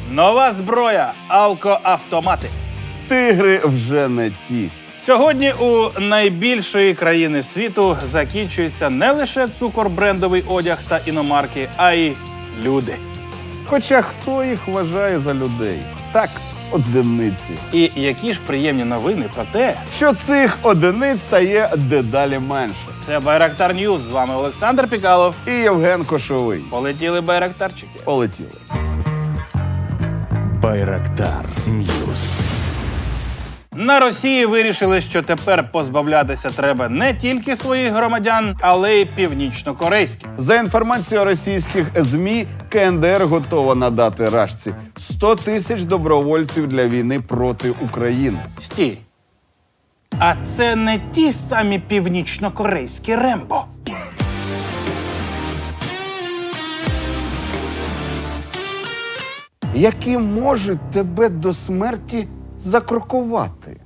Нова зброя – алкоавтомати. Тигри вже не ті. Сьогодні у найбільшої країни світу закінчується не лише цукор-брендовий одяг та іномарки, а й люди. Хоча хто їх вважає за людей? Так, одиниці. І які ж приємні новини про те, Що цих одиниць стає дедалі менше. це Байрактар Ньюз. З вами Олександр Пікалов. І Євген Кошовий. Полетіли байрактарчики. Полетіли. Байрактар Ньюз. На Росії вирішили, що тепер позбавлятися треба не тільки своїх громадян, але й північнокорейських. За інформацією російських ЗМІ, КНДР готова надати Рашці 100 тисяч добровольців для війни проти України. Стій. А це не ті самі північнокорейські Рембо. Які можуть тебе до смерті закрокувати.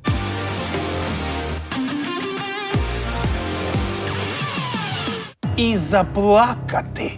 І заплакати.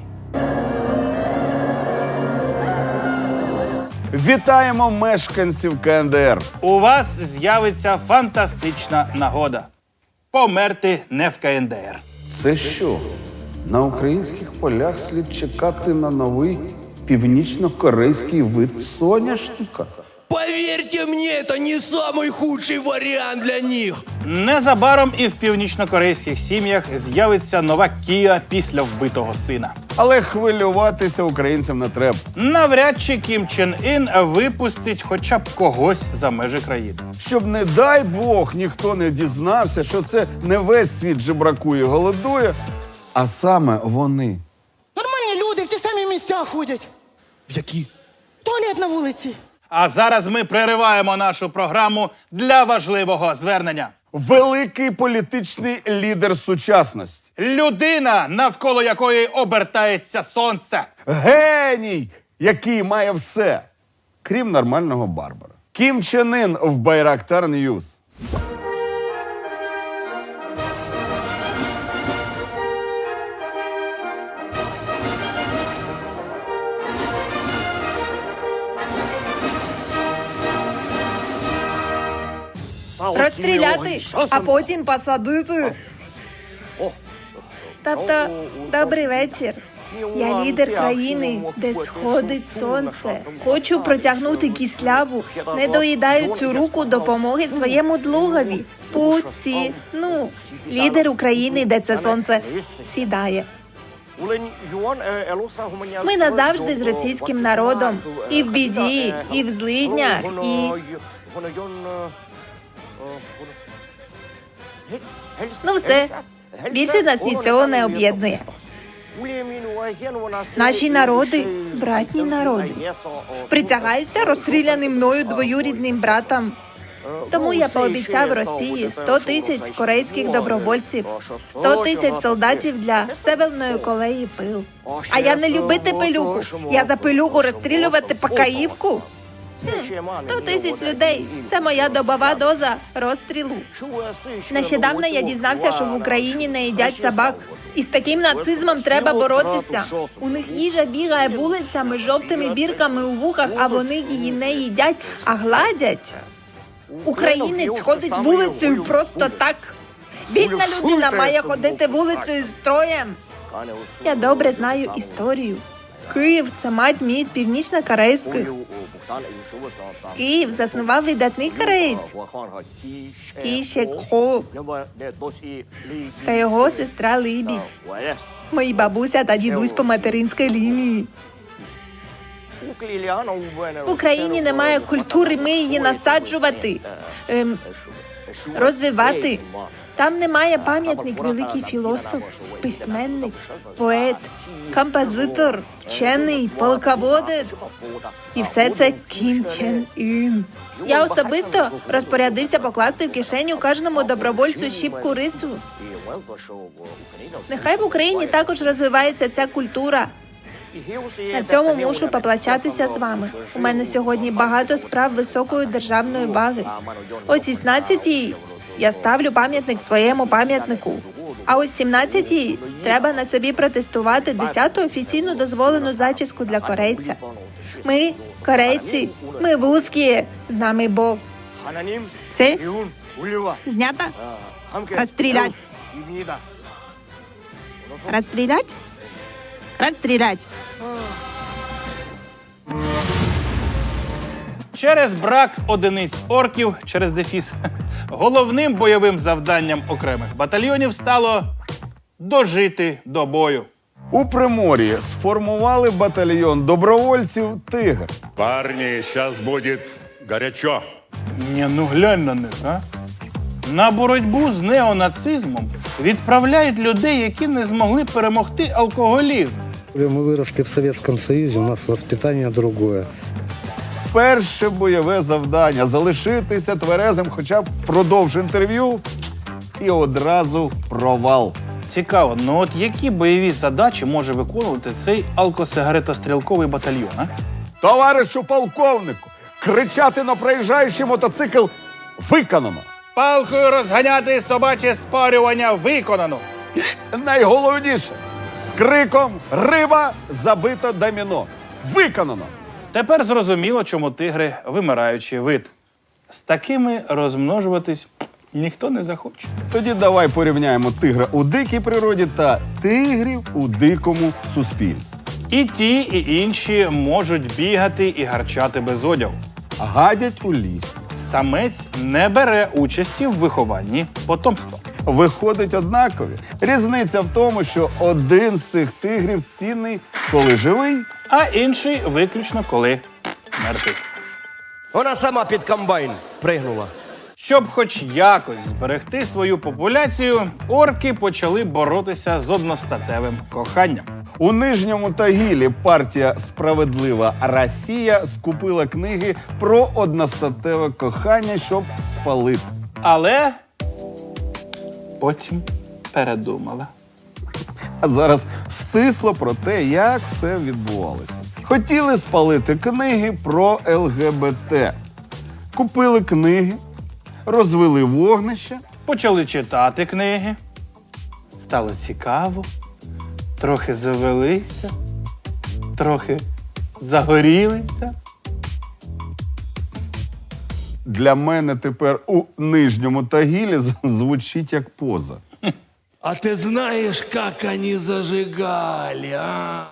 Вітаємо мешканців КНДР. У вас з'явиться фантастична нагода. Померти не в КНДР. Це що? На українських полях слід чекати на новий північно-корейський вид соняшника? Поверьте мне, это не самый худший вариант для них. Незабаром і в північнокорейських сім'ях з'явиться нова Кія після вбитого сина. Але хвилюватися українцям не треба. Навряд чи Кім Чен Ін випустить хоча б когось за межі країни. Щоб, не дай Бог, ніхто не дізнався, що це не весь світ жебракує, голодує, а саме вони. Нормальні люди в ті самі місця ходять. В які? Туалет на вулиці. А зараз ми перериваємо нашу програму для важливого звернення. Великий політичний лідер сучасності. Людина, навколо якої обертається сонце. Геній, який має все, крім нормального Барбара. Кім Чен Ін в Байрактар Ньюз. Розстріляти, а потім посадити. Тобто, добрий вечір. Я лідер країни, де сходить сонце. Хочу протягнути кисляву. Не доїдаю цю руку допомоги своєму другові. Путіну. Лідер України, де це сонце сідає. Ми назавжди з російським народом. І в біді, і в злиднях, і... Ну все. Більше нас нічого не об'єднує. Наші народи – братні народи. Присягаюся розстріляним мною двоюрідним братам. Тому я пообіцяв Росії 100 тисяч корейських добровольців, 100 тисяч солдатів для Северної Кореї пил. А я не любити пилюку. Я за пилюку розстрілювати Покаївку. 100 тисяч людей – це моя добова доза розстрілу. Нещодавно я дізнався, що в Україні не їдять собак. І з таким нацизмом треба боротися. У них їжа бігає вулицями з жовтими бірками у вухах, а вони її не їдять, а гладять. Українець ходить вулицею просто так. Вільна людина має ходити вулицею з строєм. Я добре знаю історію. Київ – це мать міст північно-корейських. Київ заснував видатний кореєць Кі Шек Хо та його сестра Либідь. Мої бабуся та дідусь по материнській лінії. В Україні немає культури, ми її насаджувати, розвивати. Там немає пам'ятник великий філософ, письменник, поет, композитор, вчений, полководець. І все це Кім Чен Ін. Я особисто розпорядився покласти в кишеню кожному добровольцю щіпку рису. Нехай в Україні також розвивається ця культура. На цьому мушу поплачатися з вами. У мене сьогодні багато справ високої державної ваги. О 16-й я ставлю пам'ятник своєму пам'ятнику. А о 17-й треба на собі протестувати 10-ту офіційно дозволену зачіску для корейця. Ми корейці, ми вузькі, з нами Бог. Все? Знято? Розстрілять. Розстрілять? Розстрілять. Через брак одиниць орків через дефіс головним бойовим завданням окремих батальйонів стало дожити до бою. У Примор'ї сформували батальйон добровольців «Тигр». Парни, сейчас будет горячо. Ні, ну глянь на них, а? На боротьбу з неонацизмом відправляють людей, які не змогли перемогти алкоголізм. Мы выросли в Советском Союзе, у нас воспитание другое. Перше бойове завдання – залишитися тверезим хоча б впродовж інтерв'ю і одразу провал. Цікаво, ну от які бойові задачі може виконувати цей алкосигаретострілковий батальйон, а? Товаришу полковнику, кричати на проїжджаючий мотоцикл виконано. Палкою розганяти собаче спарювання виконано. Найголовніше – з криком «Риба! Забито доміно!» Виконано! Тепер зрозуміло, чому тигри – вимираючий вид. З такими розмножуватись ніхто не захоче. Тоді давай порівняємо тигра у дикій природі та тигрів у дикому суспільстві. І ті, і інші можуть бігати і гарчати без одягу. Гадять у лісі. Самець не бере участі в вихованні потомства. Виходить однакові. Різниця в тому, що один з цих тигрів цінний, коли живий, А інший виключно коли мертвий. Вона сама під комбайн пригнула. Щоб хоч якось зберегти свою популяцію, орки почали боротися з одностатевим коханням. У Нижньому Тагілі партія «Справедлива Росія» скупила книги про одностатеве кохання, щоб спалити. Але потім передумала. А зараз стисло про те, як все відбувалося. Хотіли спалити книги про ЛГБТ. Купили книги, розвели вогнище. Почали читати книги. Стало цікаво. Трохи завелися, трохи загорілися. Для мене тепер у Нижньому Тагілі звучить як поза. А ты знаешь, как они зажигали, а?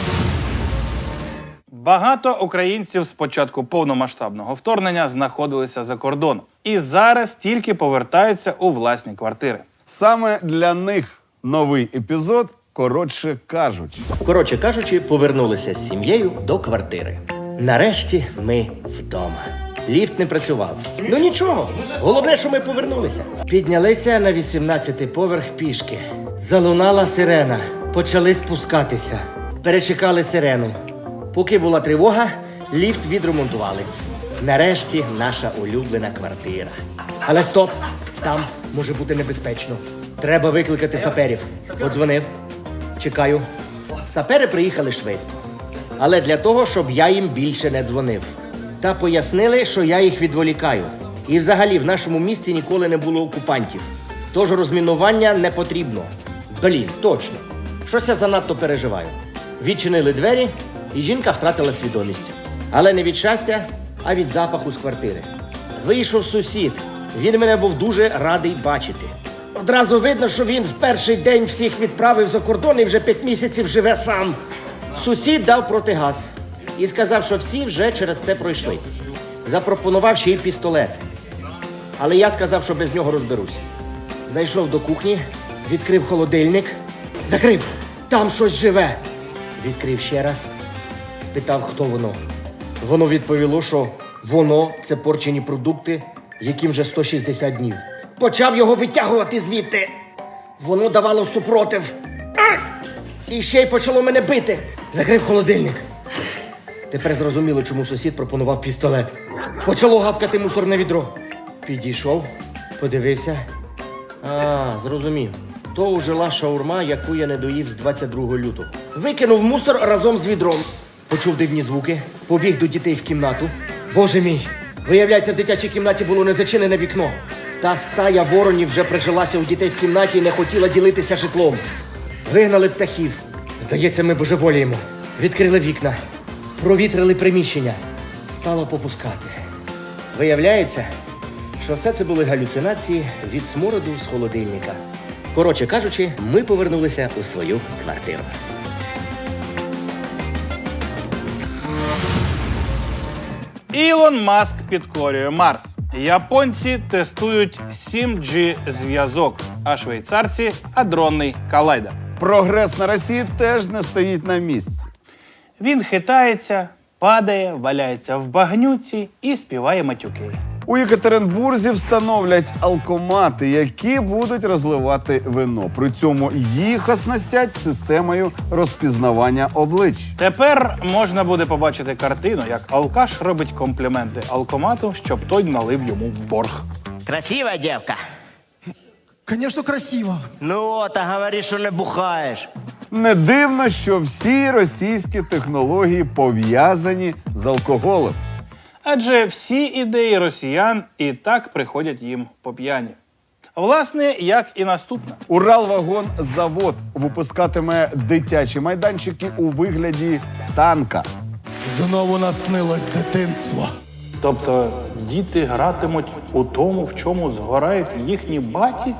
Багато українців з початку повномасштабного вторгнення знаходилися за кордоном. І зараз тільки повертаються у власні квартири. Саме для них новий епізод, коротше кажучи. Повернулися з сім'єю до квартири. Нарешті ми вдома. Ліфт не працював. Ну нічого, головне, що ми повернулися. Піднялися на 18-й поверх пішки. Залунала сирена. Почали спускатися. Перечекали сирену. Поки була тривога, ліфт відремонтували. Нарешті наша улюблена квартира. Але стоп! Там може бути небезпечно. Треба викликати саперів. Подзвонив. Чекаю. Сапери приїхали швидко. Але для того, щоб я їм більше не дзвонив. Та пояснили, що я їх відволікаю. І взагалі в нашому місті ніколи не було окупантів. Тож розмінування не потрібно. Блін, точно. Щось я занадто переживаю. Відчинили двері, і жінка втратила свідомість. Але не від щастя, а від запаху з квартири. Вийшов сусід. Він мене був дуже радий бачити. Одразу видно, що він в перший день всіх відправив за кордон і вже 5 місяців живе сам. Сусід дав протигаз і сказав, що всі вже через це пройшли. Запропонував ще й пістолет. Але я сказав, що без нього розберусь. Зайшов до кухні, відкрив холодильник. Закрив! Там щось живе! Відкрив ще раз. Спитав, хто воно. Воно відповіло, що воно – це порчені продукти, яким вже 160 днів. Почав його витягувати звідти. Воно давало супротив. І ще й почало мене бити. Закрив холодильник. Тепер зрозуміло, чому сусід пропонував пістолет. Почало гавкати мусорне відро. Підійшов, подивився. Зрозумів. То ужила шаурма, яку я не доїв з 22 лютого. Викинув мусор разом з відром. Почув дивні звуки, побіг до дітей в кімнату. Боже мій, виявляється, в дитячій кімнаті було незачинене вікно. Та стая воронів вже прижилася у дітей в кімнаті і не хотіла ділитися житлом. Вигнали птахів. Здається, ми божеволіємо. Відкрили вікна. Провітрили приміщення. Стало попускати. Виявляється, що все це були галюцинації від смороду з холодильника. Коротше кажучи, ми повернулися у свою квартиру. Ілон Маск підкорює Марс. Японці тестують 7G зв'язок, а швейцарці адронний колайдер. Прогрес на Росії теж не стоїть на місці. Він хитається, падає, валяється в багнюці і співає матюки. У Єкатеринбурзі встановлять алкомати, які будуть розливати вино. При цьому їх оснастять системою розпізнавання облич. Тепер можна буде побачити картину, як алкаш робить компліменти алкомату, щоб той налив йому в борг. Красива дівка. Конечно, красиво. Ну, та говори, що не бухаєш. Не дивно, що всі російські технології пов'язані з алкоголем. Адже всі ідеї росіян і так приходять їм по п'яні. Власне, як і наступна. Уралвагонзавод випускатиме дитячі майданчики у вигляді танка. Знову наснилось дитинство. Тобто діти гратимуть у тому, в чому згорають їхні баті?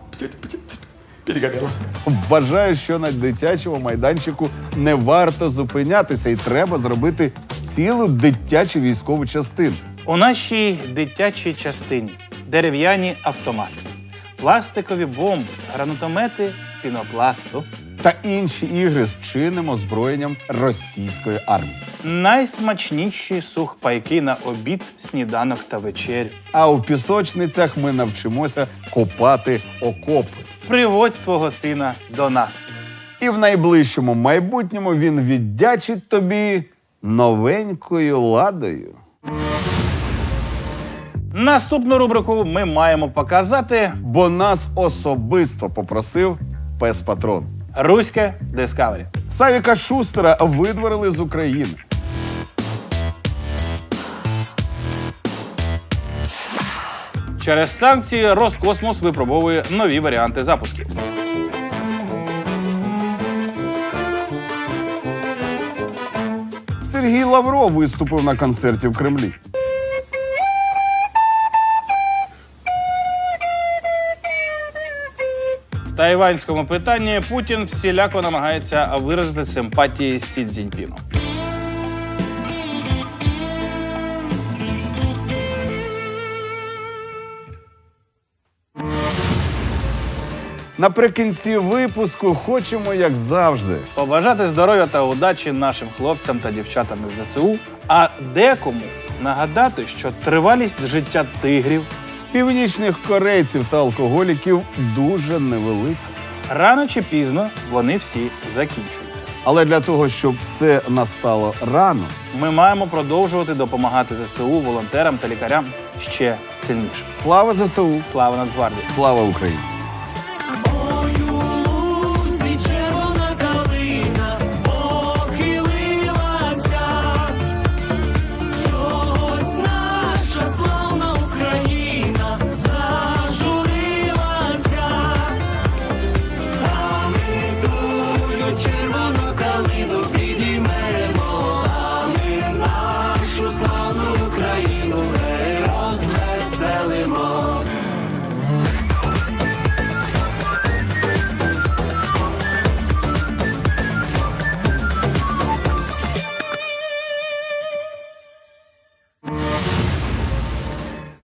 Вважаю, що на дитячому майданчику не варто зупинятися і треба зробити цілу дитячу військову частину. У нашій дитячій частині дерев'яні автомати, пластикові бомби, гранатомети з пінопласту. Та інші ігри з чинним озброєнням російської армії. Найсмачніші сухпайки на обід, сніданок та вечерю. А у пісочницях ми навчимося копати окопи. Приводь свого сина до нас. І в найближчому майбутньому він віддячить тобі новенькою ладою. Наступну рубрику ми маємо показати Бо нас особисто попросив пес Патрон. Руське Дискавері. Савіка Шустера видворили з України. Через санкції Роскосмос випробовує нові варіанти запусків. Сергій Лавров виступив на концерті в Кремлі. В тайванському питанні Путін всіляко намагається виразити симпатії Сі Цзіньпіну. Наприкінці випуску хочемо, як завжди, Побажати здоров'я та удачі нашим хлопцям та дівчатам із ЗСУ, а декому нагадати, що тривалість життя тигрів північних корейців та алкоголіків дуже невелика. рано чи пізно вони всі закінчуються. Але для того, щоб все настало рано, Ми маємо продовжувати допомагати ЗСУ, волонтерам та лікарям ще сильніше. слава ЗСУ, Слава Нацгвардії! слава Україні!